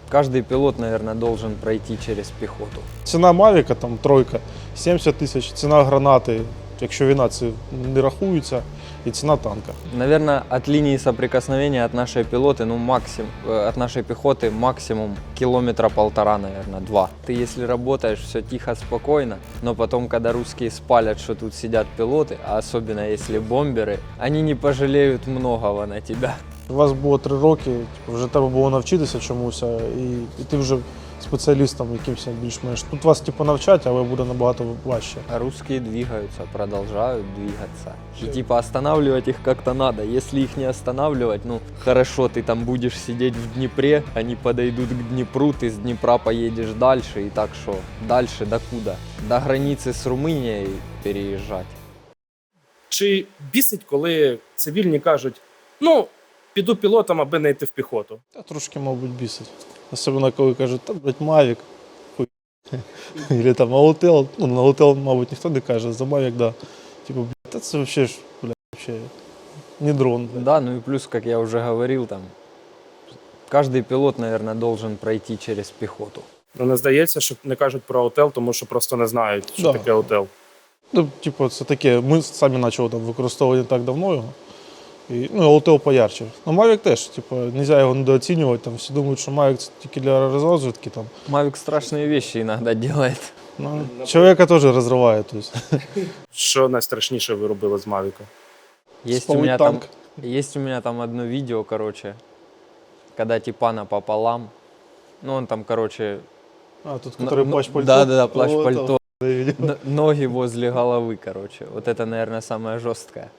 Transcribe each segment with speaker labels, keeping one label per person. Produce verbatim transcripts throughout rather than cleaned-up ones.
Speaker 1: Каждый пилот, наверное, должен пройти через пехоту.
Speaker 2: Ціна Мавіка, там тройка, сімдесят тисяч, ціна гранати, якщо війна, це не рахується, і ціна танка.
Speaker 1: Наверное, от линии соприкосновения от нашей пилоты, ну максимум, от нашей пехоты максимум километра полтора, наверное, два. Ты если работаешь, все тихо, спокойно, но потом, когда русские спалят, что тут сидят пилоты, а особенно если бомберы, они не пожалеют многого на тебя.
Speaker 2: У вас було три роки, типу, вже треба було навчитися чомусь, і, і ти вже спеціалістом якимось більш-менш. Тут вас типу навчать, але буде набагато важче.
Speaker 1: А русские двигаются, продолжают двигаться. И типа останавливать их как-то надо. Если их не останавливать, ну хорошо, ты там будешь сидеть в Днепре, они подойдут к Днепру, ты с Днепра поедешь дальше. И так что, дальше докуда? До границы с Румынией переезжать.
Speaker 3: Чи бісить, коли цивільні кажуть, ну, піду пілотом, аби не йти в піхоту?
Speaker 2: Та трошки, мабуть, бісить. Особливо, коли кажуть, та, блядь, Мавік, хуй. Или там Аутел, ну, на Аутел, мабуть, ніхто не каже, за Мавік, да. Типу, блядь, та це взагалі ж, блядь, взагалі не дрон. Блядь.
Speaker 1: Да, ну и плюс, как я уже говорил, там, каждый пилот, наверное, должен пройти через пехоту.
Speaker 3: Ну, не здається, що не кажуть про Аутел, тому що просто не знають, що
Speaker 2: Да.
Speaker 3: таке Аутел.
Speaker 2: Ну, типу, це таке, ми самі почали там використовувати не так давно його. І, ну, Аутел поярче. Ну, Мавік теж, типу, не можна його недооцінювати, там всі думають, що Мавік це тільки для розвідки, там.
Speaker 1: Мавик страшные вещи иногда делает.
Speaker 2: Ну, чоловіка теж розриває, то есть.
Speaker 3: Що найстрашніше ви робили з Мавіка?
Speaker 1: Есть у,
Speaker 2: Спалить
Speaker 1: меня
Speaker 2: танк.
Speaker 1: там, есть у меня там одно видео, короче, когда типа пополам. Ну, он там, короче...
Speaker 2: А, тут,
Speaker 1: н-
Speaker 2: который
Speaker 1: н-
Speaker 2: плащ-пальто?
Speaker 1: Да-да-да,
Speaker 2: О,
Speaker 1: плащ-пальто.
Speaker 2: это я видел.
Speaker 1: Н- Ноги возле головы, короче. Вот это, наверное, самое жесткое.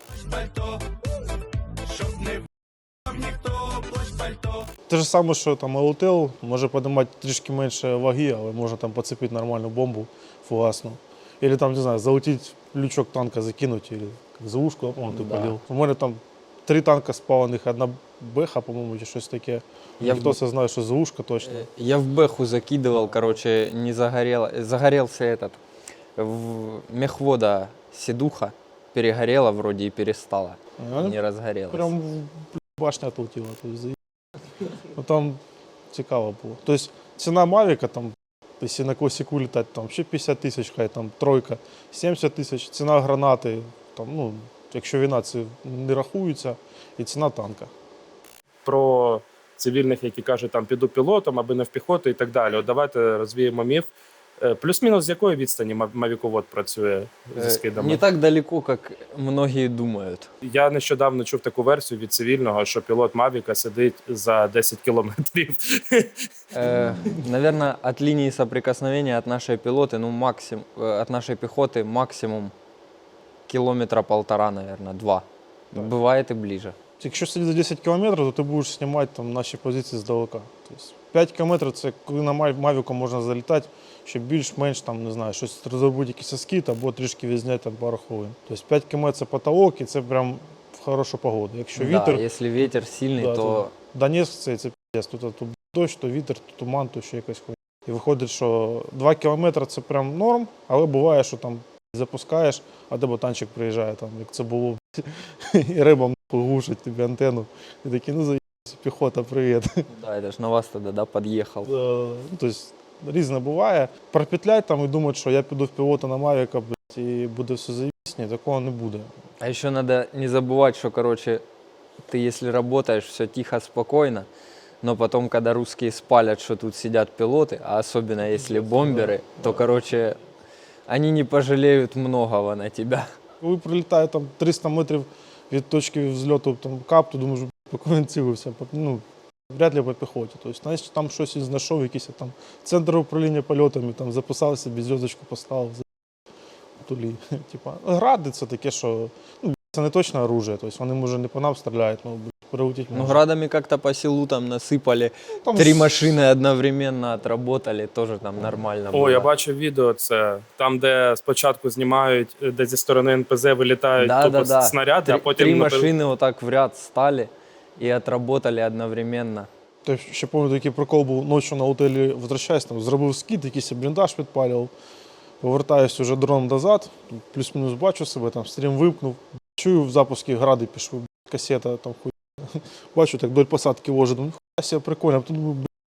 Speaker 2: Те ж саме, що там Аутел, може піднімати трішки менше ваги, але можна там поцепити нормальну бомбу фугасну. Или там, не знаю, залетіти лючок танка, закинути, или за ушку, а, по-моєму, ти
Speaker 1: Да.
Speaker 2: палив. У мене там три танка спалених, одна беха, по-моєму, чи щось таке.
Speaker 1: Я
Speaker 2: Ніхто
Speaker 1: в-
Speaker 2: це знає, що за ушко точно.
Speaker 1: Э, Я в бэху закидывал, короче, не загорело. Загорелся этот. В мехвода седуха перегорела вроде и перестала.
Speaker 2: А,
Speaker 1: Не разгорелась.
Speaker 2: Прям в- башня отлетіла. Тобто, за- ну, там цікаво було. Тобто ціна Мавіка, там, якщо на класику літати, там ще п'ятдесят тисяч, хай там тройка, сімдесят тисяч, ціна гранати, там, ну, якщо війна, це не рахується, і ціна танка.
Speaker 3: Про цивільних, які кажуть, там, піду пілотом, аби не в піхоту і так далі. От давайте розвіємо міф. Е, Плюс-мінус з якої відстані мав- мавіковод працює зі
Speaker 1: Э,
Speaker 3: скидами?
Speaker 1: Не так далеко, как многие думают.
Speaker 3: Я нещодавно чув таку версію від цивільного, що пілот Мавіка сидить за десять кілометрів.
Speaker 1: Э, Наверное, от линии соприкосновения от нашей пилоты, ну максимум, от нашей пехоты максимум километра полтора, наверное, два.
Speaker 2: Так.
Speaker 1: Бывает и ближе.
Speaker 2: Якщо сидіти за десять кілометрів, то ти будеш знімати там наші позиції здалека. Тобто п'ять кілометрів – це коли на Мав- Мавіку можна залітати, щоб більш-менш там, не знаю, щось розробити якийсь скіт або трішки відзняти там пару хвилин. Тобто п'ять кілометрів – це потолок і це прям в хорошу погоду. Якщо вітер,
Speaker 1: Да, если ветер сильный,
Speaker 2: да,
Speaker 1: то
Speaker 2: Донецьк це, це п'єс. Тут, тут дощ, то вітер, то туман, то ще якась хуйня. І виходить, що два кілометри – це прям норм, але буває, що там запускаєш, а де ботанчик приїжджає, там, як це було, і риба глушить тобі антенну. І такі, ну заїбся, піхота, привіт.
Speaker 1: да, это ж на вас тогда, да, подъехал.
Speaker 2: Е, Ну, тобто різне буває. Пропетлять там і думати, що я піду в пілота на Мавіка, блядь, і буде все заїбсь, ні, такого не буде.
Speaker 1: А еще надо не забывать, что, короче, ты если работаешь, все тихо, спокойно, но потом, когда русские спалят, что тут сидят пилоты, а особенно если бомберы, то, короче, они не пожалеют многого на тебя.
Speaker 2: Коли прилітає там триста метрів від точки взльоту там, кап, то думаєш, по кого він цілився, По- ну, вряд ли по піхоті. Тобто, знаєш, там щось він знайшов, якийсь там центр управління польотами, там записав собі, зв'язочку поставив, за тулі. Типа, гради це таке, що ну, це не точне оружие, тобто вони, може, не по нам стріляють, ну, прилетіть
Speaker 1: Ну,
Speaker 2: може.
Speaker 1: градами как-то по селу там насыпали,
Speaker 2: Там
Speaker 1: три
Speaker 2: с-
Speaker 1: машины одновременно отработали, тоже там нормально было.
Speaker 3: О, я бачив відео це. Там, де спочатку знімають, де зі сторони ен пе зет вилітають
Speaker 1: Да,
Speaker 3: тупо
Speaker 1: да, да.
Speaker 3: снаряди,
Speaker 1: Три,
Speaker 3: а потім
Speaker 1: три
Speaker 3: на-
Speaker 1: машины вот так в ряд стали и отработали одновременно.
Speaker 2: Тобто, ще пам'ятаю, такий прикол був, ночі на готелі возвращаюсь, там, зробив скид, якийсь бліндаж підпалював, повертаюся вже дроном назад, плюс-мінус бачу себе, там, стрім вимкнув, чую в запуску гради пішли, касета, там, хуй. Бачу, так вдоль посадки вожу, думаю, хуя себе прикольно, а потім думаю,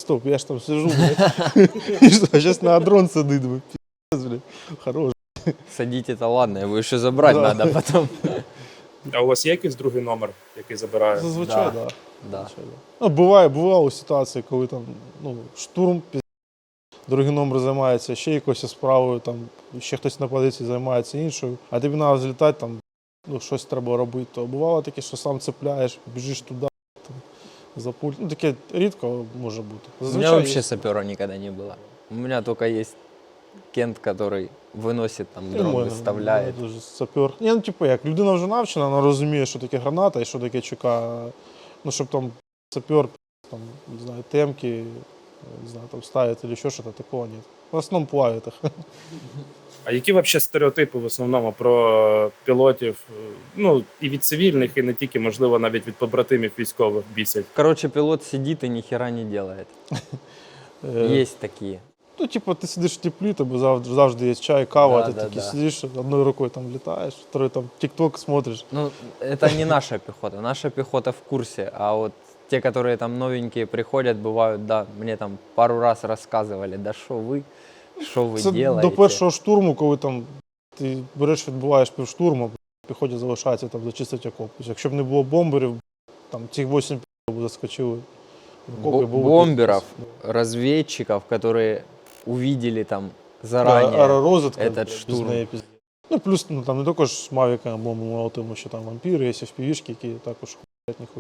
Speaker 2: стоп, я ж там сижу, блядь. И что, сейчас на дрон сидить, блядь, пиздец, блядь, хорош.
Speaker 1: Садить это ладно, его еще забрать
Speaker 2: Да.
Speaker 1: надо потом.
Speaker 3: А у вас є якийсь другий номер, який забирає?
Speaker 2: Зазвичай,
Speaker 1: Да.
Speaker 2: да.
Speaker 1: Да.
Speaker 2: Зазвичай, да. Ну, буває, бували ситуації, коли там, ну, штурм, пиздец, другий номер займається ще якоюсь справою, там, ще хтось на позиції займається іншою, а тобі треба злітати, там, ну, щось треба робити. То бувало таке, що сам цепляєш, біжиш туди, там, за пульт. Ну, таке рідко може бути.
Speaker 1: У меня
Speaker 2: Зазвичай
Speaker 1: вообще
Speaker 2: є.
Speaker 1: сапера никогда не было. У меня только есть Кент, который выносит, там,
Speaker 2: І
Speaker 1: дрон
Speaker 2: в мене,
Speaker 1: выставляет.
Speaker 2: да, дуже сапер. Ні, ну, типу, як, людина вже навчена, вона розуміє, що таке граната і що таке ЧК. Ну, щоб там сапер, там, не знаю, темки, не знаю, там ставить или ще щось, такого нет. В основному плавить їх.
Speaker 3: А які взагалі стереотипи в основному про пілотів, е, ну і від цивільних, і не тільки, можливо, навіть від побратимів військових бісять?
Speaker 1: Короче, пилот сидит и ни хера не делает.
Speaker 2: Е,
Speaker 1: Есть такие.
Speaker 2: Ну, типу, ти сидиш в теплі, тобі завжди, завжди є чай, кава,
Speaker 1: Да,
Speaker 2: ти
Speaker 1: да,
Speaker 2: такий
Speaker 1: да.
Speaker 2: сидиш, одною рукою там літаєш, второй там тік-ток смотриш.
Speaker 1: Ну, это не наша пехота. Наша пехота в курсе. А вот те, которые там новенькие приходят, бывают, да, мне там пару раз рассказывали, да что вы, что вы
Speaker 2: Це
Speaker 1: делаете.
Speaker 2: до першого штурму, коли там ти береш, відбуваєш півштурму, піхоті залишається там зачистити окоп. Тобто, якщо б не було бомберів, там ті вісім б заскочили. в окоп, і
Speaker 1: Бо-
Speaker 2: було
Speaker 1: бомберов,
Speaker 2: пиздец.
Speaker 1: разведчиков, которые увидели там
Speaker 2: Да,
Speaker 1: заранее.
Speaker 2: аеророзвідка,
Speaker 1: этот
Speaker 2: без
Speaker 1: штурм.
Speaker 2: неї пиздец. Ну, плюс ну, там не тільки ж мавіка бомби молотимо, що там вампіри, є еф пі ві-шки, які також хуять ніхуя.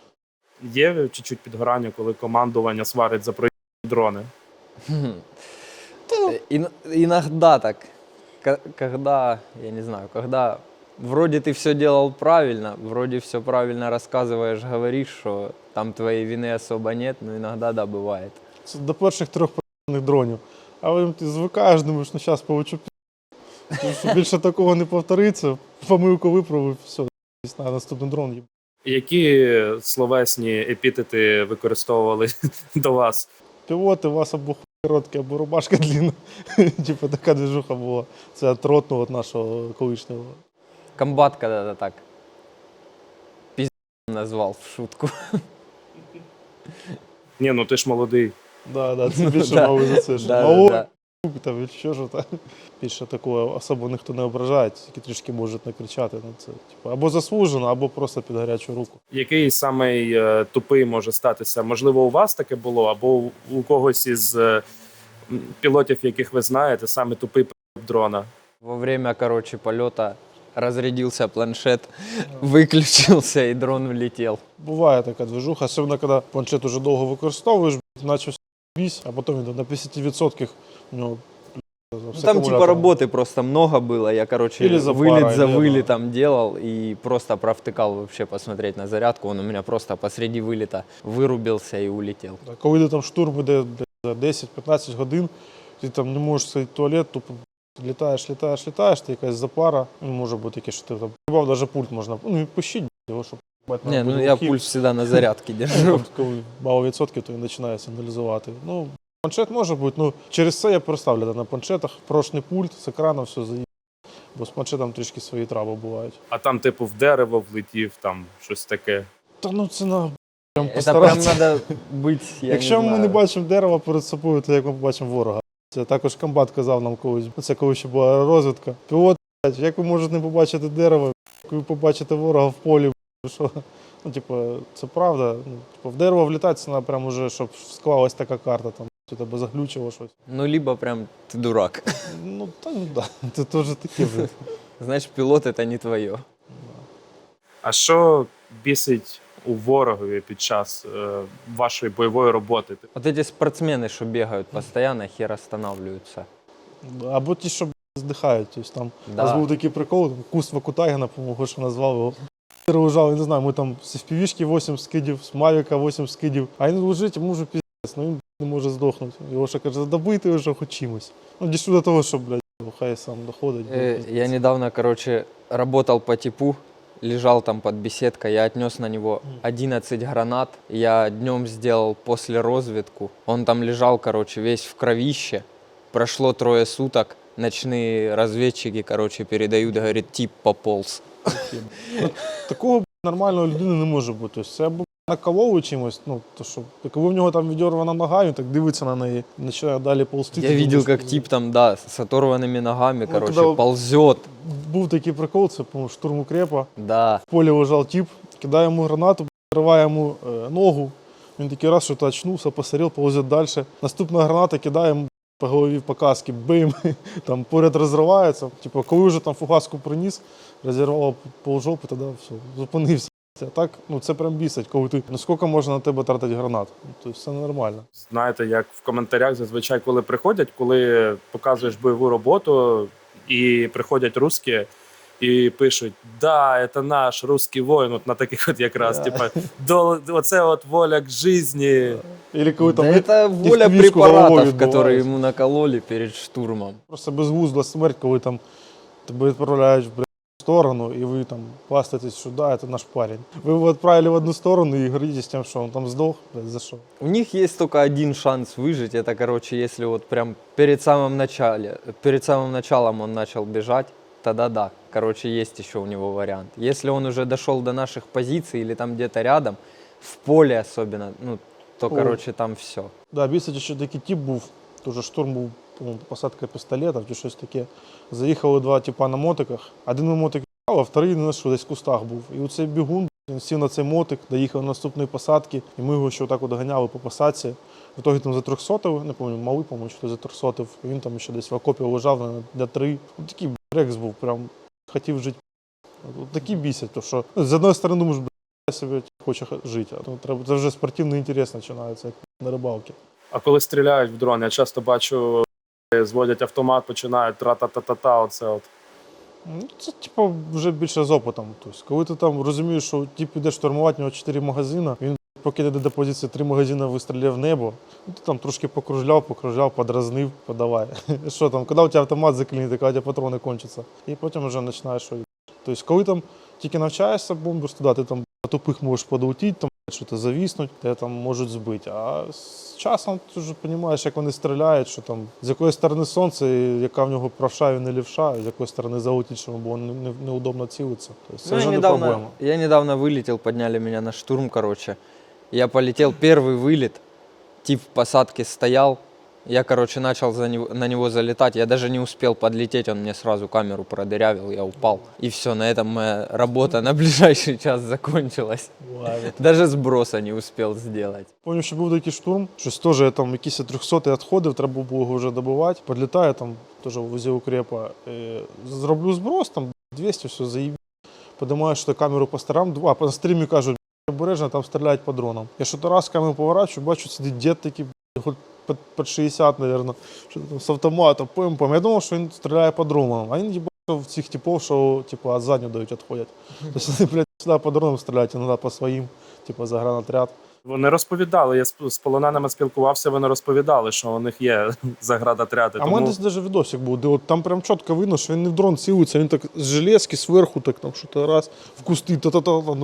Speaker 3: Є чуть-чуть підгорання, коли командування сварить за проїзд дрони?
Speaker 1: Хм. Э, ин- Иногда так, Ко- когда, я не знаю, когда вроде ты все делал правильно, вроде все правильно рассказываешь, говоришь, что там твоей вины особо нет, но иногда да, бывает.
Speaker 2: Це до перших трьох п***них дронів. А потім ти звикаєш, думаєш, ну зараз получу пі***. Тому що більше такого не повториться. Помилку виправив, все, на наступний дрон їб.
Speaker 3: Які словесні епітети використовували до вас?
Speaker 2: Пілоти, у вас або хуй короткий, або рубашка длинна. Типа така движуха була. Це від ротного, від нашого колишнього.
Speaker 1: Комбат когда-то так пиздец назвал в шутку.
Speaker 3: Ні, ну ти ж молодий.
Speaker 2: Да, да, це більше
Speaker 1: Да.
Speaker 2: мали за це. що
Speaker 1: Да,
Speaker 2: мало,
Speaker 1: да,
Speaker 2: хуй, там, що ж там. Більше такого особо ніхто не ображає, тільки трішки можуть накричати на це. Типу, або заслужено, або просто під гарячу руку.
Speaker 3: Який самий е, тупий може статися? Можливо, у вас таке було, або у, у когось із е, м, пілотів, яких ви знаєте, саме тупий п*** дрона?
Speaker 1: Во время, короче, полета разрядился планшет, выключился и дрон улетел.
Speaker 2: Буває така движуха, особливо коли планшет уже довго використовуєш, наче вісь, а потім він на п'ятдесят відсотків у нього
Speaker 1: Ну, там типа работы просто много было. Я, короче,
Speaker 2: Или за
Speaker 1: вылет
Speaker 2: парой,
Speaker 1: за
Speaker 2: да, да.
Speaker 1: вылетом делал и просто провтыкал вообще посмотреть на зарядку. Он у меня просто посреди вылета вырубился и улетел.
Speaker 2: Коли йде там штурм іде блядь, за десять-п'ятнадцять годин, ти там не можеш сидіти в туалет, тупо літаєш, літаєш, літаєш, ти якась запара, ну, може бути таке, що ти там бав, навіть пульт можна, ну, відпущити його, щоб бать,
Speaker 1: Не,
Speaker 2: буде
Speaker 1: ну я
Speaker 2: глухий.
Speaker 1: пульс всегда на зарядке
Speaker 2: Ну,
Speaker 1: держу.
Speaker 2: там, коли мало відсотків, то він починає сигналізувати. Ну, планшет може бути, ну, через це я перестав літати на планшетах, прошний пульт, з екрану все заїб, бо з планшетом трішки свої траби бувають.
Speaker 3: А там, типу, в дерево влетів, там щось таке.
Speaker 2: Та ну це на прям
Speaker 1: Это прям
Speaker 2: постаратися.
Speaker 1: надо быть, я
Speaker 2: Якщо
Speaker 1: не
Speaker 2: ми не
Speaker 1: знаю.
Speaker 2: бачимо дерева перед собою, то як ми побачимо ворога? Це також комбат казав нам колись. Це коли ще була розвідка. Пілот, блядь, як ви можете не побачити дерево, як ви побачите ворога в полі, блядь, що? Ну, типу, це правда. Ну, типу, в дерево влітати, це треба прям уже, щоб склалась така карта, там, чи тебе заглючило щось.
Speaker 1: Ну, либо прям ты дурак.
Speaker 2: Ну, та ну да, це теж таке вже.
Speaker 1: Значит, пилот это не твое.
Speaker 3: А що бісить у ворогові під час е, вашої бойової роботи?
Speaker 1: Вот эти спортсмены, что бегают постоянно, хер останавливаются.
Speaker 2: Або ті, що блядь, здихають. Тобто, там, у нас
Speaker 1: Да.
Speaker 2: був такий прикол, там, Куст Вакутагіна, по-моєму, що назвав його. Лежав, я не знаю, ми там з еф пі ві-шки вісім скидів, з Мавіка вісім скидів, а він лежить, йому вже піздець, ну він не може здохнути. Його ще каже, добити його вже хоч чимось. Ну, дійшло до того, що, блядь, хай сам доходить.
Speaker 1: Э, Я недавно, короче, работал по типу, лежал там под беседкой, я отнес на него одиннадцать гранат, я днем сделал после разведку, он там лежал, короче, весь в кровище, прошло трое суток, ночные разведчики, короче, передают, говорит, тип пополз.
Speaker 2: Такого блядь, нормального людини не може бути. Тобто, це або наколов чимось, ну, то що, коли в нього там відірвана нога, він так дивиться на неї, починає далі ползти.
Speaker 1: Я
Speaker 2: ти
Speaker 1: видел,
Speaker 2: думаєш,
Speaker 1: как тип там, да, с оторванными ногами,
Speaker 2: Ну,
Speaker 1: короче,
Speaker 2: когда-
Speaker 1: ползет.
Speaker 2: Був такий прикол, це, по-моєму, штурм укрепа.
Speaker 1: Да.
Speaker 2: В полі лежав тип, кидає йому гранату, риває йому е, ногу. Він такий раз, що то очнувся, посорів, ползет далі. Наступна граната кидає йому по голові по касці, бим, там поряд розривається. Типу, коли вже там фугаску приніс, розірвало полжопи, тоді все, зупинився. А так, ну це прям бісить, коли ти, ну скільки можна на тебе тратити гранат? Тобто все нормально.
Speaker 3: Знаєте, як в коментарях зазвичай, коли приходять, коли показуєш бойову роботу, і приходять русські, і пишуть: да, це наш русський воїн, от на таких от якраз,
Speaker 2: Да.
Speaker 3: типа, до, оце от воля к житті.
Speaker 2: Или коли там
Speaker 1: Да это воля
Speaker 2: кишку
Speaker 1: препаратов,
Speaker 2: головою
Speaker 1: которые
Speaker 2: відбивають.
Speaker 1: ему накололи перед штурмом.
Speaker 2: Просто безглузда смерть, коли там тебе відправляють в сторону, і ви там пластитесь, що да, це наш парень. Ви його відправили в одну сторону і гордитесь тим, що він там здох, блядь, за що?
Speaker 1: У них есть только один шанс выжить. Это, короче, если вот прям перед самым начале, перед самым началом он начал бежать, тогда да. Короче, есть еще у него вариант. Если он уже дошел до наших позиций или там где-то рядом, в поле особенно, ну, то,
Speaker 2: О.
Speaker 1: короче, там все.
Speaker 2: Да, бісить, ще такий тип був, теж штурм був, по-моєму, посадка пістолетів чи щось таке. Заїхали два типа на мотиках. Один на мотик їхав, а вторий не що, десь в кустах був. І оцей бігун, він сів на цей мотик, доїхав до наступної посадки, і ми його ще отак от ганяли по посадці. В итоге там затрьохсотив, не пам'ятаю, малий, по-моєму, що затрьохсотив. Він там ще десь в окопі лежав на для три. От такий рекс був, прям хотів жити. От такі бісять, то що ну, з одної сторони думаєш, я себе хоче жити, а то треба, це вже спортивний інтерес починається, як на рибалці.
Speaker 3: А коли стріляють в дрон, я часто бачу, зводять автомат, починають тра-та-та-та-та, оце от.
Speaker 2: Ну, це типу вже більше з опитом. Тобто, коли ти там розумієш, що тип іде штурмувати, у нього чотири магазини, він поки йде до позиції, три магазини вистріляв в небо, ну, ти там трошки покружляв, покружляв, подразнив, подавай. Що там, коли у тебе автомат заклинить, коли у тебе патрони кончаться. І потім вже починаєш що. Тобто, коли там тільки навчаєшся бомбиш туди, ти там на тупих можеш подолетіти, там що-то завіснуть, тебе там можуть збити. А з часом ти вже розумієш, як вони стріляють, що там з якої сторони сонце, і яка в нього правша і не лівша, з якої сторони залетить, щоб було не- не- неудобно цілитися. Тобто, це
Speaker 1: Ну,
Speaker 2: вже
Speaker 1: я,
Speaker 2: не
Speaker 1: недавно,
Speaker 2: проблема.
Speaker 1: я недавно вылетел, подняли меня на штурм, короче. Я полетел, первый вылет, тип в посадке стоял. Я, короче, начал за него, на него залетать. Я даже не успел подлететь, он мне сразу камеру продырявил, я упал. И все, на этом моя работа на ближайший час закончилась. Даже сброса не успел сделать.
Speaker 2: Пам'ятаю, що був такий штурм, щось теж я там якісь трьохсоті відходив, треба було його вже добивати. Підлітаю там, теж в возі укрепа, е, зроблю зброс, там двісті, все, заїб. Подимаю, що камеру по сторонам, а по стрімі кажуть, обережно, там стріляють по дронам. Я що то раз камеру поворачую, бачу, сидить дід такий, хоч під, під шістдесят, мабуть, що там з автоматом, пим-пим. Я думав, що він стріляє по дронам, а він їбав в цих типів, що типу, від задню дають, відходять. Тобто вони, блядь, сюди по дронам стріляють, іноді по своїм, типу, за гранатряд.
Speaker 3: Вони розповідали, я з з полоненими спілкувався, вони розповідали, що у них є заградотряди.
Speaker 2: А в
Speaker 3: Тому
Speaker 2: мене десь навіть відосик був, де от там прям чітко видно, що він не в дрон цілиться, він так з железки зверху, так там що-то раз, в кусти, та-та-та, ну,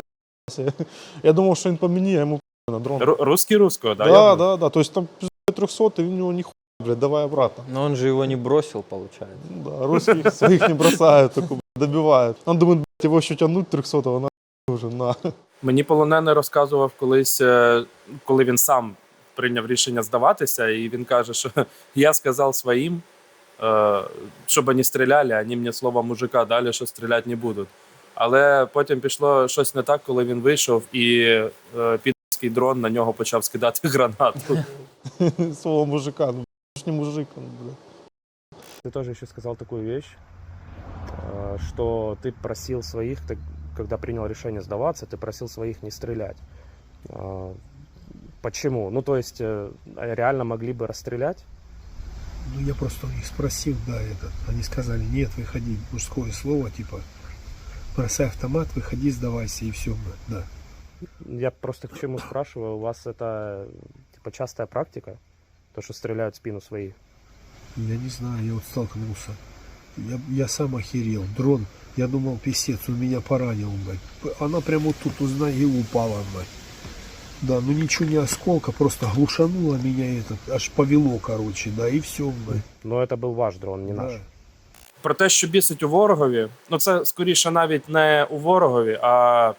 Speaker 2: я думав, що він по мені, а йому на дрон.
Speaker 3: Ру- русський руського, да?
Speaker 2: Да,
Speaker 3: я думаю?
Speaker 2: да, да, то есть там трехсот, и у него нихуя, блядь, давай обратно.
Speaker 1: Но он же его не бросил, получается.
Speaker 2: Ну да, русских своих не бросают, только блядь, добивают. Он думает, блядь, его еще тянуть трехсотого, на уже, на.
Speaker 3: Мені полонений розказував колись, е, коли він сам прийняв рішення здаватися, і він каже, що я сказав своїм, е, щоб вони стріляли, а вони мені слово мужика дали, що стріляти не будуть. Але потім пішло щось не так, коли він вийшов, і е, підський дрон на нього почав скидати гранату.
Speaker 2: Слово мужика, ну, ж не мужик, он, блядь.
Speaker 3: Ты тоже еще сказал такую вещь, э, что ты просил своих, ты, когда принял решение сдаваться, ты просил своих не стрелять. А, Почему? Ну, то есть, э, реально могли бы расстрелять?
Speaker 4: Ну, я просто у них спросил, да, этот. Они сказали, нет, выходи, мужское слово, типа, бросай автомат, выходи, сдавайся, и все, да.
Speaker 3: Я просто к чему спрашиваю, у вас это типа частая практика, то, что стреляют в спину своих?
Speaker 4: Я не знаю, я вот столкнулся. Я, я сам охерел. Дрон, я думал, писец, он меня поранил, блядь. Она прямо вот тут у ноги упала, блядь. Да, ну ничего не осколка, просто глушануло меня этот, аж повело, короче, да, и все, блядь.
Speaker 3: Но это был ваш дрон, не наш.
Speaker 4: Да.
Speaker 3: Про те, що бісить у ворогові, ну це скоріше навіть не у ворогові, а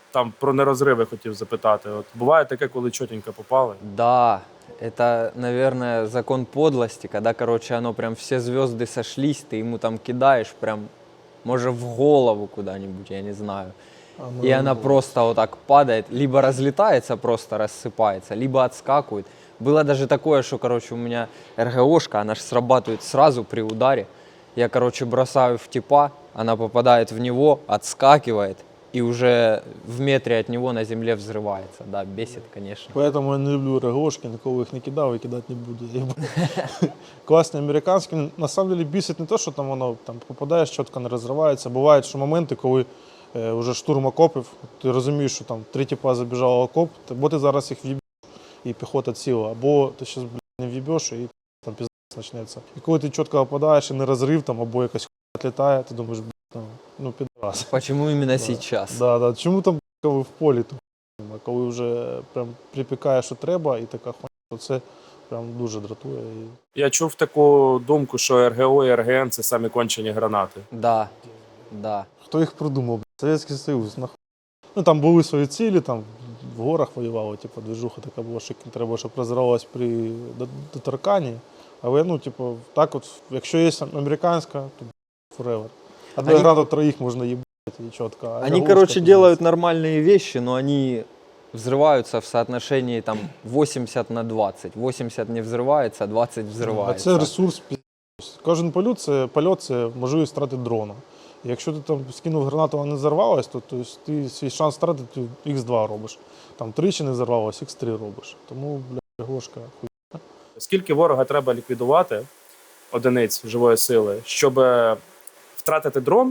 Speaker 3: там про нерозриви хотів запитати. От буває таке, коли чотенько попали.
Speaker 1: Да, это, наверное, закон подлости, когда, короче, оно прям все звезды сошлись, ты ему там кидаешь прям, может, в голову куда-нибудь, я не знаю. И она просто вот так падает, либо разлетается, просто рассыпается, либо отскакивает. Было даже такое, что, короче, у меня РГОшка, она же срабатывает сразу при ударе. Я, короче, бросаю в типа, она попадает в него, отскакивает, и уже в метре от него на земле взрывается. Да, бесит, конечно.
Speaker 2: Поэтому я не люблю РГОшки, ніколи їх не кидав і кидати не буду. Класні американські. На самом деле бісить не те, що там воно там попадаєш, чітко не розривається. Бувають що моменти, коли е, вже штурм окопів, ти розумієш, що там три тіпа забіжало в окоп, бо ти зараз їх в'їбеш і піхота ціла, або ти зараз не в'їбеш і там піздець почнеться. І коли ти чітко попадаєш і не розрив, там, або якась хуйня літає, ти думаєш, ну, ну підраз.
Speaker 1: Почему именно сейчас?
Speaker 2: Да, да. Чому там коли в полі, то а коли вже прям припікає, що треба, і така хуйня, то це прям дуже дратує. І...
Speaker 3: Я чув таку думку, що РГО і РГН – це самі кончені гранати.
Speaker 1: Да, да.
Speaker 2: Хто їх придумав? Совєтський Союз, нахуй. Ну там були свої цілі, там в горах воювали, типу, движуха така була, що треба, щоб розривалась при доторканні. Але, ну, типу, так от, якщо є американська, то forever. Одной
Speaker 1: Они-
Speaker 2: граду троих можно ебать и четко. А
Speaker 1: Они,
Speaker 2: РГОшка
Speaker 1: короче,
Speaker 2: пиздец.
Speaker 1: делают нормальные вещи, но они взрываются в соотношении там восемьдесят на двадцать. восемьдесят не взрывается, а двадцать
Speaker 2: А
Speaker 1: взрывается.
Speaker 2: це ресурс пиздец. Кожен польот це, польот це можливість втрати дрона. І якщо ти там скинув гранату, вона не взорвалась, то, то есть, ти свій шанс втратити ікс два робиш. Там тричі не взорвалась, ікс три робиш. Тому, бля, РГОшка хуй.
Speaker 3: Скільки ворога треба ліквідувати, одиниць живої сили, щоб е, втратити дрон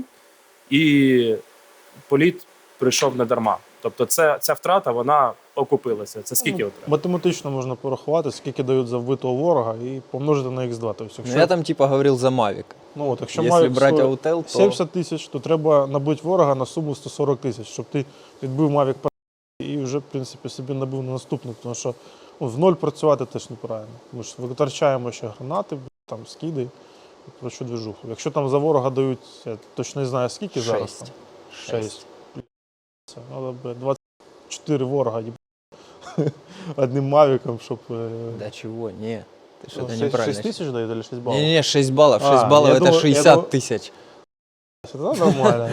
Speaker 3: і політ прийшов не дарма. Тобто це, ця втрата, вона окупилася. Це скільки
Speaker 2: Ну,
Speaker 3: от треба?
Speaker 2: математично можна порахувати, скільки дають за вбитого ворога і помножити на ікс два. Тобто,
Speaker 1: Ну,
Speaker 2: якщо,
Speaker 1: я там типа говорил за Mavic.
Speaker 2: ну, от, якщо
Speaker 1: Если
Speaker 2: мають
Speaker 1: брать
Speaker 2: сто-
Speaker 1: Autel, то
Speaker 2: сімдесят тисяч, то треба набити ворога на суму сто сорок тисяч, щоб ти відбив Mavic і вже, в принципі, собі набив на наступний. Тому що ну, в ноль працювати теж неправильно. Ми ж витрачаємо ще гранати, там, скиди, про що движуху. Якщо там за ворога дають, я точно не знаю скільки зараз. Там,
Speaker 1: шесть.
Speaker 2: шесть. Це, але, бля, двадцять чотири ворога їб... одним мавіком, щоб... е,
Speaker 1: Да чего? Не, ты
Speaker 2: ну,
Speaker 1: что-то
Speaker 2: шесть-
Speaker 1: неправильно.
Speaker 2: шесть тисяч дають, або шість балів?
Speaker 1: Не-не-не, шесть баллов.
Speaker 2: А,
Speaker 1: шесть баллов
Speaker 2: я
Speaker 1: это
Speaker 2: думал- я
Speaker 1: шестьдесят
Speaker 2: думал-
Speaker 1: тысяч.
Speaker 2: Це нормально.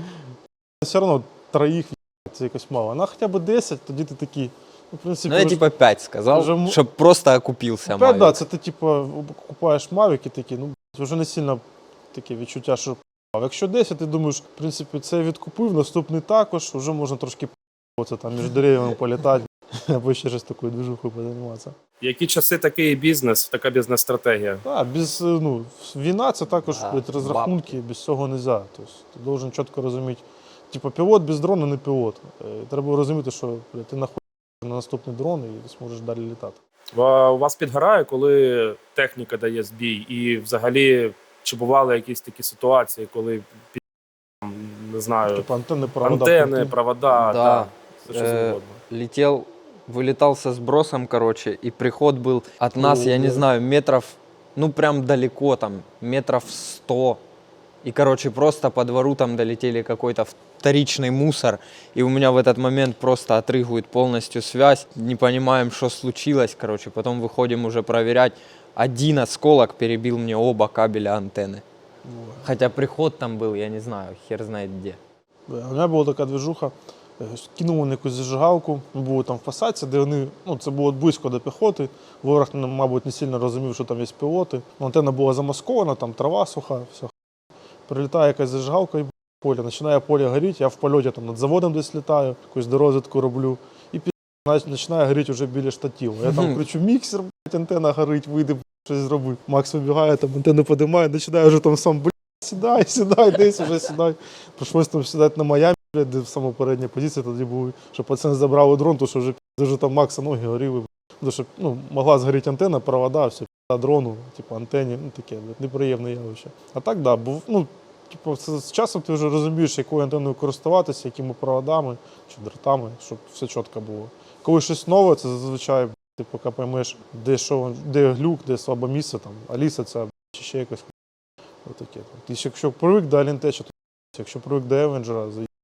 Speaker 2: Все одно троїх це якось мало. На хоча б десять, тоді ти такий, ну, в принципі,
Speaker 1: Ну я
Speaker 2: вже-
Speaker 1: типа пять сказал,
Speaker 2: уже м-
Speaker 1: чтобы просто окупился
Speaker 2: Ну, п'ять,
Speaker 1: Mavic.
Speaker 2: да, це ти типу купаєш мавіки такі, ну вже не сильно таке відчуття, що а якщо десять, ти думаєш, в принципі, це відкупив, наступний також, вже можна трошки це там між деревами політати, або ще щось такою движухою позайматися.
Speaker 3: Які часи такий бізнес, така бізнес-стратегія?
Speaker 2: Так, без, ну, війна це також
Speaker 1: Да,
Speaker 2: блядь, розрахунки, без цього не можна. Тобто, ти должен чітко розуміти, типу, пілот без дрона не пілот. Е, Треба розуміти, що блядь, ти нахуй на наступний дрон і зможеш далі літати.
Speaker 3: Ва- У вас підгорає, коли техніка дає збій? І взагалі, чи бували якісь такі ситуації, коли під, там, не знаю,
Speaker 2: Типу антенни, провода.
Speaker 3: антени,
Speaker 2: пульти.
Speaker 3: провода,
Speaker 1: Да.
Speaker 3: да, все що
Speaker 1: Э,
Speaker 3: завгодно.
Speaker 1: Летел, вылетал со сбросом, короче, и приход был от нас, я не
Speaker 2: Ого.
Speaker 1: знаю, метров, ну прям далеко, там, метров сто. И, короче, просто по двору там долетели какой-то вторичный мусор, и у меня в этот момент просто отрыгивает полностью связь, не понимаем, что случилось, короче, потом выходим уже проверять. Один осколок перебил мне оба кабеля антенны. Хотя приход там был, я не знаю, хер знает где.
Speaker 2: Да, у мене була така движуха, е, кинули на якусь зажигалку, ми були там в посадці, де вони, ну це було близько до піхоти, ворог, ну, мабуть, не сильно розумів, що там є пілоти. Ну, антенна була замаскована, там трава суха, все. Прилітає якась зажигалка і поле, починає поле горіти, я в польоті там над заводом десь літаю, якусь дорозвідку роблю, і пі... починає горіти вже біля штативу. Я там кричу, міксер, блядь, антенна горить, вийди, блядь, щось зроби. Макс вибігає, там антенну підіймає, починає вже там сам, блядь, сідай, сідай, десь вже сідай. Прийшлось там сідати на Майамі, блядь, де саме передня позиція тоді були, щоб пацани забрали дрон, тому що вже, пі***, вже там Макса ноги горіли. блядь. Тому що, ну, могла згоріти антенна, провода, все, пі***, дрону, типу, антенні, ну таке, блядь, неприємне явище. А так, да, був, ну, типу, це, з часом ти вже розумієш, якою антенною користуватися, якими проводами чи дротами, щоб все чітко було. Коли щось нове, це зазвичай, ти поки поймеш, де, що, де глюк, де слабе місце, там, Аліса ця, чи ще якось. Отаке. Ти ж якщо привик до Алінтеча, то якщо привик до Евенджера,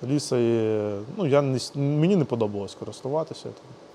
Speaker 2: ліса. І, ну, я не, с- мені не подобалось користуватися.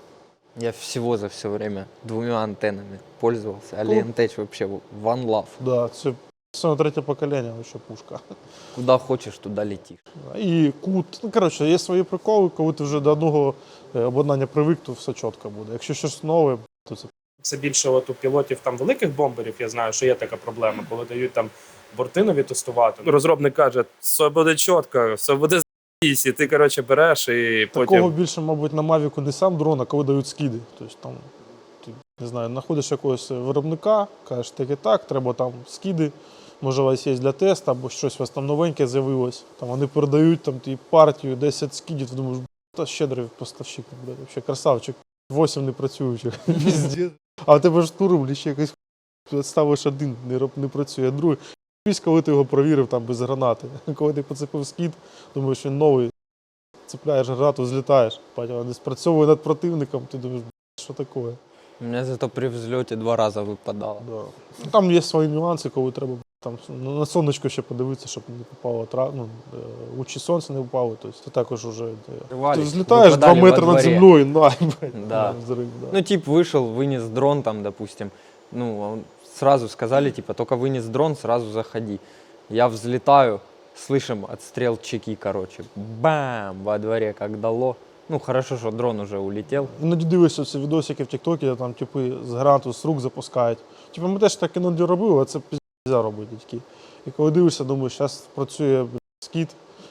Speaker 1: Я всего за все время двумя антеннами пользовался. А
Speaker 2: Ну.
Speaker 1: Lientage вообще one love.
Speaker 2: Да, це саме третє покоління, ще пушка.
Speaker 1: Куда хочешь, туда летишь.
Speaker 2: І кут. Ну, коротше, є свої приколи, коли ти вже до одного е, обладнання привик, то все чітко буде. Якщо щось нове, то це
Speaker 3: Це більше от у пілотів там великих бомберів, я знаю, що є така проблема, коли дають там борти нові тестувати. Ну, розробник каже, все буде чітко, все буде з***сь, і ти, коротше, береш і
Speaker 2: такого
Speaker 3: потім...
Speaker 2: більше, мабуть, на Мавіку не сам дрон, а коли дають скиди. Тобто там, ти, не знаю, знаходиш якогось виробника, кажеш, так і так, треба там скиди, може у вас є для тесту, або щось у вас там новеньке з'явилось. Там вони передають там ті партію, десять скидів, ти думаєш, та щедрий поставщик, блядь, взагалі красавчик, вісім не працюючих. Піздець. А в тебе ж туру, ще якийсь ставиш один, не, роб- не працює, а другий. Пісь, коли ти його провірив там без гранати. Коли ти поцепив скид, думаєш, він новий, цепляєш гранату, злітаєш. Потім вона не спрацьовує над противником, ти думаєш, що таке?
Speaker 1: У меня зато при взлете два раза выпадало.
Speaker 2: Да. Ну, там є свої нюанси, коли треба там, ну, на сонечко ще подивитися, щоб не попало тра... ну, е, лучі сонця не впали. Тобто ти також вже е, ти
Speaker 1: Рвались,
Speaker 2: взлітаєш два
Speaker 1: выпадали
Speaker 2: метри
Speaker 1: во
Speaker 2: над
Speaker 1: дворе.
Speaker 2: землею, на, блядь,
Speaker 1: Да.
Speaker 2: взрив. Да.
Speaker 1: Ну, тип вышел, вынес дрон там, допустим. Ну, он- сразу сказали, типа, только вынес дрон, сразу заходи. Я взлетаю, слышим отстрел чеки, короче. Бам! Во дворе как дало. Ну, хорошо, что дрон уже улетел.
Speaker 2: Іноді дивишся ці відосики в Тіктокі, де там типи з гранату з рук запускають. Типу ми теж так іноді робили, а це піздя робити такі. І коли дивишся, думаєш, зараз працює блядь, скіт,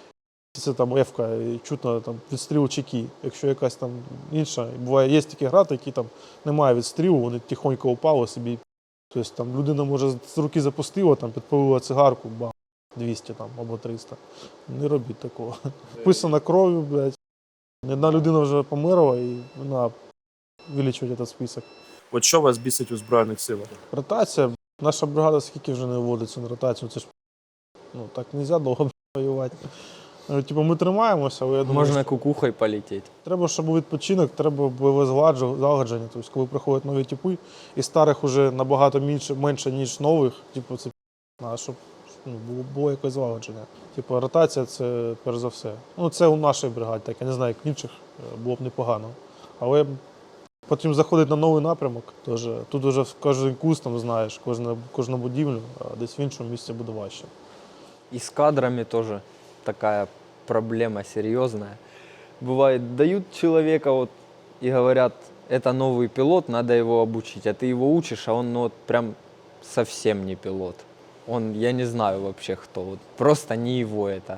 Speaker 2: це там ефка, і чутно там відстріл чеки. Якщо якась там інша, буває, є такі грати, які там немає відстрілу, вони тихонько упали собі. Тобто там людина може з руки запустила, там підпалила цигарку, бам, двісті там або триста. Не робіть такого. Вписана кров'ю, блядь. Одна людина вже померла і вона вилічує цей список.
Speaker 3: От що вас бісить у Збройних силах?
Speaker 2: Ротація. Наша бригада скільки вже не вводиться на ротацію. Це ж ну, так не можна довго воювати. Ну, Типу, ми тримаємося, але я думаю,
Speaker 1: Можно
Speaker 2: що
Speaker 1: кукухой полететь.
Speaker 2: треба, щоб був відпочинок, треба бойове згладжу- злагодження. Тобто, коли приходять нові типи, і старих вже набагато менше, менше ніж нових, типу, це а щоб ну, було, було якесь злагодження. Типу, ротація це перш за все. Ну, це у нашій бригаді, так я не знаю, як в інших е, було б непогано. Але потім заходить на новий напрямок. Тож, тут вже кожен куст там знаєш, кожну, кожну будівлю, а десь в іншому місці буде важче.
Speaker 1: И с кадрами тоже такая проблема серьезная. Бывает, дают человека вот и говорят, это новый пилот, надо его обучить. А ты его учишь, а он ну, вот прям совсем не пилот. Он, я не знаю вообще кто, вот, просто не его это.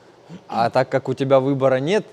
Speaker 1: А так как у тебя выбора нет,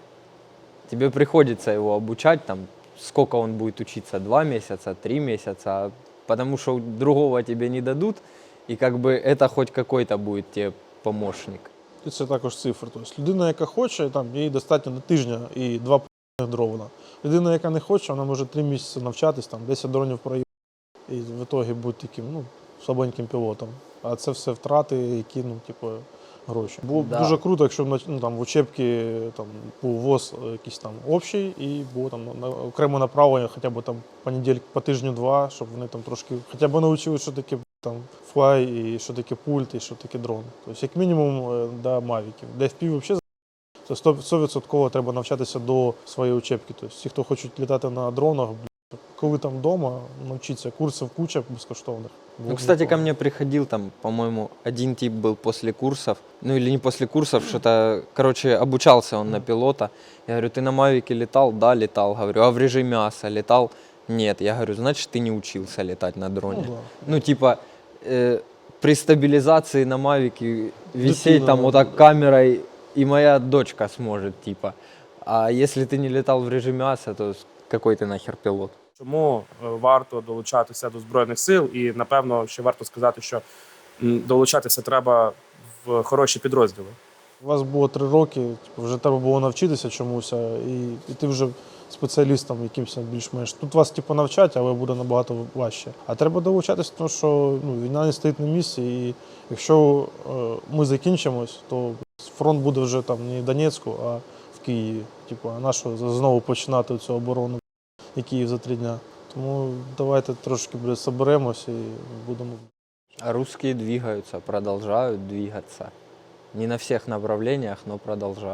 Speaker 1: тебе приходится его обучать, там, сколько он будет учиться, два месяца, три месяца, потому что другого тебе не дадут, и как бы это хоть какой-то будет тебе помощник.
Speaker 2: І це також цифри. Тобто людина, яка хоче, там, їй достатньо на тижня і два п***них дровна. Людина, яка не хоче, вона може три місяці навчатись, там, десять дронів проїхати і в ітогі бути таким ну, слабеньким пілотом. А це все втрати, які ну, типу, гроші. Було б
Speaker 1: Да.
Speaker 2: дуже круто, якщо б ну, там, в учебці там, був ВОЗ якийсь там общий і було там на, окреме направлення хоча б там по неділі, по тижню-два, щоб вони там трошки хоча б навчили, що таке там флай, і що таке пульт, і що таке дрон. Тобто, як мінімум, е, до мавіків. Де еф пі взагалі це сто відсотків треба навчатися до своєї учебки. Тобто, ті, хто хочуть літати на дронах, блін, коли там вдома, навчитися курсів куча безкоштовних. Було
Speaker 1: Ну,
Speaker 2: б
Speaker 1: кстати, ко
Speaker 2: непогано.
Speaker 1: мне приходил там, по-моему, один тип был после курсов, ну или не после курсов, что-то, короче, обучался он на пилота. Я говорю, ты на Мавике летал? Да, летал. Говорю, а в режиме АСА летал? Нет. Я говорю, значит, ты не учился летать на дроне.
Speaker 2: Ну, да.
Speaker 1: Ну, типа, э, при стабилизации на Мавике висеть
Speaker 2: Дитина,
Speaker 1: там
Speaker 2: да,
Speaker 1: вот так
Speaker 2: да.
Speaker 1: камерой, и моя дочка сможет, типа. А если ты не летал в режиме АСА, то с- какой ты нахер пилот?
Speaker 3: Чому е, варто долучатися до Збройних сил? І, напевно, ще варто сказати, що м, долучатися треба в хороші підрозділи.
Speaker 2: У вас було три роки, типу, вже треба було навчитися чомусь, а, і, і ти вже спеціалістом якимось більш-менш. Тут вас типу, навчать, але буде набагато важче. А треба долучатися, тому що ну, війна не стоїть на місці, і якщо е, ми закінчимось, то фронт буде вже там не в Донецьку, а в Києві. Типу, а нащо знову починати цю оборону, і Київ за три дня. Тому давайте трошки буде, соберемося і будемо.
Speaker 1: А русские двигаются, продолжают двигаться. Не на всех направлениях, но продолжают.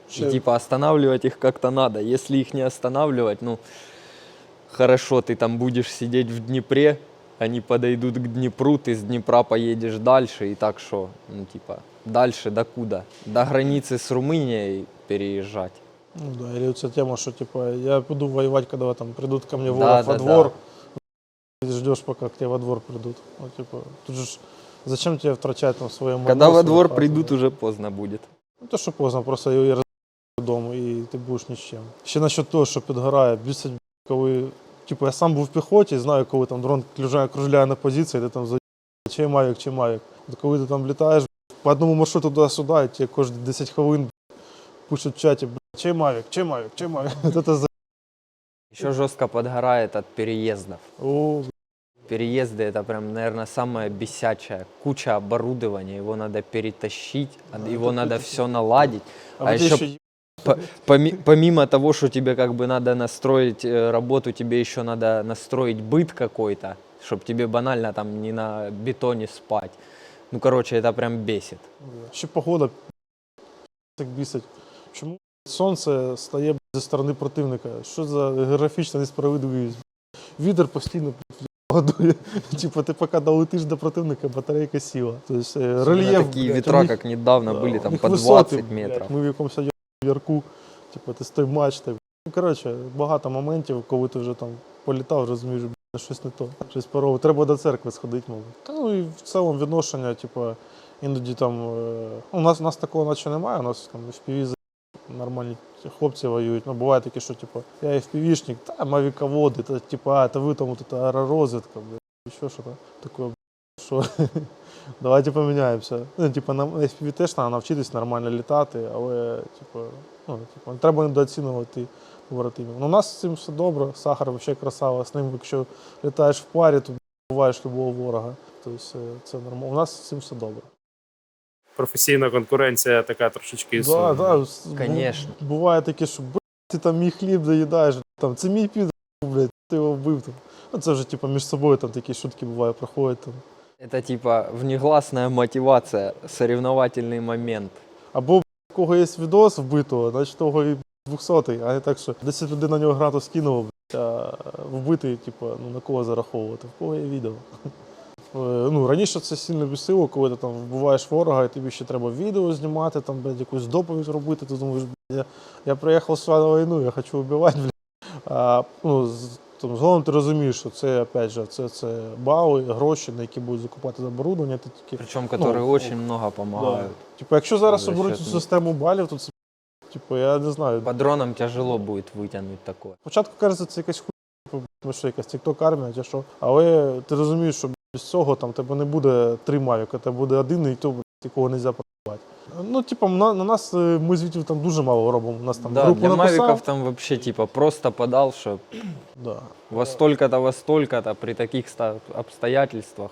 Speaker 2: Ще-
Speaker 1: И типа останавливать их как-то надо. Если их не останавливать, ну, хорошо, ты там будешь сидеть в Днепре, они подойдут к Днепру, ты с Днепра поедешь дальше, и так что, ну, типа, дальше до куда? До границы с Румынией переезжать.
Speaker 2: Ну да, или вот эта тема, что типа я буду воевать, когда там придут ко мне
Speaker 1: Да,
Speaker 2: воров во
Speaker 1: да,
Speaker 2: двор,
Speaker 1: да.
Speaker 2: ты ждешь, пока к тебе во двор придут. Ну, типа, тут же ж зачем тебе втрачать там свое
Speaker 1: Когда во двор
Speaker 2: хату,
Speaker 1: придут,
Speaker 2: да?
Speaker 1: уже поздно будет.
Speaker 2: Ну то, що поздно, просто її роз додому і ти будеш ні з чим. Ще насчет того, що підгорає, бісить, коли, типу, я сам був в піхоті, знаю, коли там дрон кружляє, кружляє на позиції, ти там за чи мавік, чи мавік. От коли ти там літаєш по одному маршруту туди-сюди, і тебе кожні десять хвилин пишуть в чаті, чи мавік, чи мавік, чи мавік. Це за...
Speaker 1: Еще жестко подгорает от переездов.
Speaker 2: О,
Speaker 1: Переезды это прям, наверное, самое бесячее. Куча оборудования, его надо перетащить, а его
Speaker 2: это
Speaker 1: надо
Speaker 2: это-
Speaker 1: все наладить.
Speaker 2: а,
Speaker 1: А
Speaker 2: вот
Speaker 1: еще
Speaker 2: ще
Speaker 1: Поми- помимо того, что тебе как бы надо настроить э, работу, тебе еще надо настроить быт какой-то, чтобы тебе банально там не на бетоне спать. Ну, короче, это прям бесит.
Speaker 2: ще погода так бісить. Чому сонце стає б, зі сторони противника? Що за географічна несправедливість? Вітер постійно годує. Типу, ти поки долетиш до противника, батарейка сіла. Тобто е,
Speaker 1: Особенно
Speaker 2: рельєф.
Speaker 1: такие
Speaker 2: блядь, у
Speaker 1: ветра,
Speaker 2: них-
Speaker 1: как недавно
Speaker 2: да,
Speaker 1: были,
Speaker 2: у
Speaker 1: там
Speaker 2: них
Speaker 1: по
Speaker 2: висоти,
Speaker 1: двадцать
Speaker 2: блядь.
Speaker 1: метров.
Speaker 2: Ми в якомусь ярку, типу, ти стой матч. Так. Ну, коротше, багато моментів, коли ти вже там політав, розумієш, блядь, щось не то. Щось парове. Треба до церкви сходити, мабуть. Та ну і в цілому відношення, типу, іноді там. е, У нас, у нас такого наче немає, у нас там еф пі ві нормальні хлопці воюють. Ну, буває таке, що типу, я еф пі ві-шник, та мавіководи, та типу, а, та ви там от, та аеророзвідка, блядь, що що таке, блядь, що давайте поміняємося. Ну, типу, на еф пі ві теж треба навчитись нормально літати, але типу, ну, типу, не треба недооцінювати побратимів. Ну, у нас з цим все добре, Сахар взагалі красава, з ним, якщо літаєш в парі, то буваєш любого ворога. Тобто це нормально. У нас з цим все добре.
Speaker 3: Професійна конкуренція така трошечки
Speaker 2: Да,
Speaker 3: існує.
Speaker 2: да, с- бу-
Speaker 1: Конечно.
Speaker 2: Буває таке, що блядь, ти там мій хліб доїдаєш, там, це мій підр, блядь, ти його вбив. Там. Ну, це вже типу, між собою там такі шутки бувають, проходять. Там.
Speaker 1: Это типа внегласная мотивация, соревновательный момент.
Speaker 2: Або в кого є відос вбитого, значить того і двохсотий, а не так, що десять людей на нього гранату скинуло, блядь, а вбитий, типу, ну, на кого зараховувати, в кого є відео. Е, Ну, раніше це сильно бісило, коли ти там вбиваєш ворога, і тобі ще треба відео знімати, там, блядь, якусь доповідь робити, ти думаєш, блядь, я, я приїхав сюди на війну, я хочу вбивати, блядь. А, ну, з- там, згодом ти розумієш, що це, опять же, це, це бали, гроші, на які будуть закупати оборудовання, ти такі,
Speaker 1: Причем, которые
Speaker 2: Ну,
Speaker 1: очень много помогают.
Speaker 2: да. Типу, якщо зараз
Speaker 1: За
Speaker 2: оберуть
Speaker 1: счет
Speaker 2: цю
Speaker 1: них.
Speaker 2: систему балів, то це, типу, я не знаю.
Speaker 1: По дронам тяжело будет вытянуть такое.
Speaker 2: Спочатку кажеться, це якась хуйня, типу, що якась тікток армія, чи що. Але ти розумієш, що без цього там тебе не буде три мавіка, тебе буде один, і то, блядь, якого не можна продавати. Ну, типу, на, на нас е, ми звідти там дуже мало робимо. У нас там
Speaker 1: Да,
Speaker 2: групу
Speaker 1: для
Speaker 2: написав.
Speaker 1: мавиков там вообще типа просто подал, что
Speaker 2: Да.
Speaker 1: во столько-то, во столько-то, при таких ста- обстоятельствах,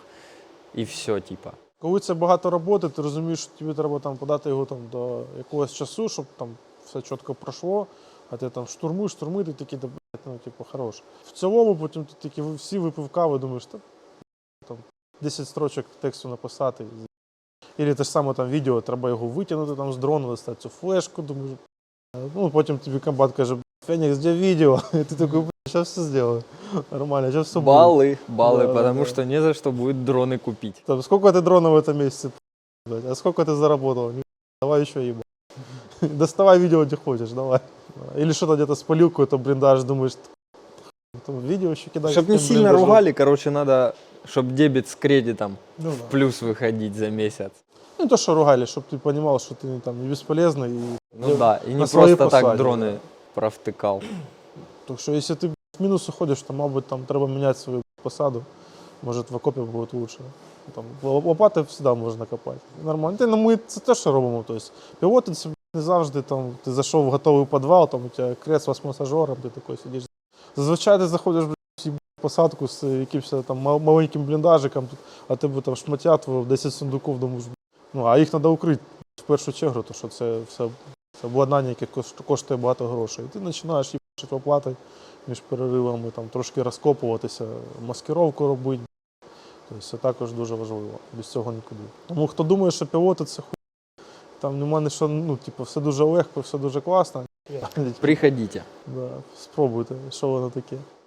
Speaker 1: и все, типа.
Speaker 2: Коли це багато роботи, ти розумієш, що тобі треба там подати його там до якогось часу, щоб там все чітко пройшло, а ти там штурмуєш, штурмуєш, ти такий, да, блядь, ну, типу, хорош. В цілому потім ти такі всі випив кави, думаєш, та, там десять строчок тексту написати. Ілі те ж саме там відео, треба його витягнути там з дрона, достати цю флешку, думаєш. Ну, потім тобі комбат каже, Фенікс, де відео? І ти такий, блядь, зараз все зроблю. Нормально, зараз все буде.
Speaker 1: Баллы, баллы,
Speaker 2: Да, да,
Speaker 1: потому
Speaker 2: да.
Speaker 1: что не за что будет дроны купить.
Speaker 2: Там, сколько ты дронов в этом месяце, блядь? А сколько ты заработал? Не, давай еще ебать. Доставай видео, где хочешь, давай. Или что-то где-то спалил какой-то блиндаж, думаешь, там видео еще кидаешь.
Speaker 1: Чтоб не сильно ругали, короче, надо, чтобы дебет с кредитом
Speaker 2: Ну,
Speaker 1: в
Speaker 2: да.
Speaker 1: плюс выходить за месяц.
Speaker 2: Ну, то, что ругали, чтобы ты понимал, что ты там не бесполезный. И...
Speaker 1: Ну да, и
Speaker 2: на
Speaker 1: не
Speaker 2: своей
Speaker 1: просто так
Speaker 2: посаде,
Speaker 1: дроны
Speaker 2: да.
Speaker 1: провтыкал.
Speaker 2: Так що, якщо ти в мінус уходиш, то, мабуть, там треба міняти свою посаду. Може, в окопі буде лучше. Там, лопати завжди можна копати. Нормально. Ти, ну, ми це те, що робимо. Тобто, пілоти це не завжди там, ти зайшов в готовий підвал, там у тебе кресло з масажером, ти такий сидиш. Зазвичай ти заходиш в посадку з якимось там мал- маленьким бліндажиком, а тебе там шматять в десять сундуків, думаєш, ну, а їх треба укрити в першу чергу, тому що це все це обладнання, яке кошт- коштує багато грошей. І ти починаєш їбачити оплати між переривами, там, трошки розкопуватися, маскировку робити. Тобто це також дуже важливо, без цього нікуди. Тому хто думає, що пілоти це хуй, Там нема ні що, ну, типу, все дуже легко, все дуже класно.
Speaker 1: Приходите.
Speaker 2: Да, спробуйте, що воно таке.